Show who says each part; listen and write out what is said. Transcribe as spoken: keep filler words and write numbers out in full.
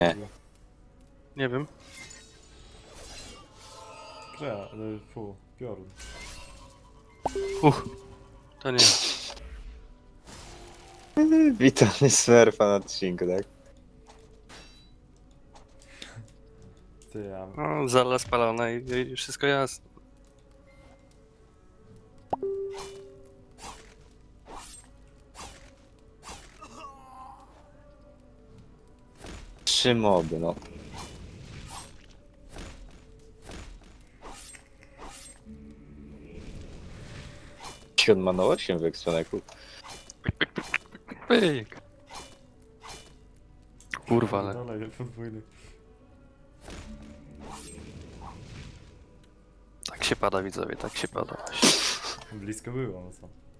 Speaker 1: Nie.
Speaker 2: Nie wiem.
Speaker 3: Grze, ale fu, piorun.
Speaker 2: Uch. To nie.
Speaker 1: Witamy Smurfa na odcinku, tak?
Speaker 3: Ty, ja...
Speaker 2: No, zala spalona i, i wszystko jasne.
Speaker 1: Trzy moby, no. On ma na osiem w eksponeku.
Speaker 2: Pyk. Kurwa, ale...
Speaker 3: Dalej, podwójny.
Speaker 2: Tak się pada, widzowie, tak się pada.
Speaker 3: Blisko było, no co?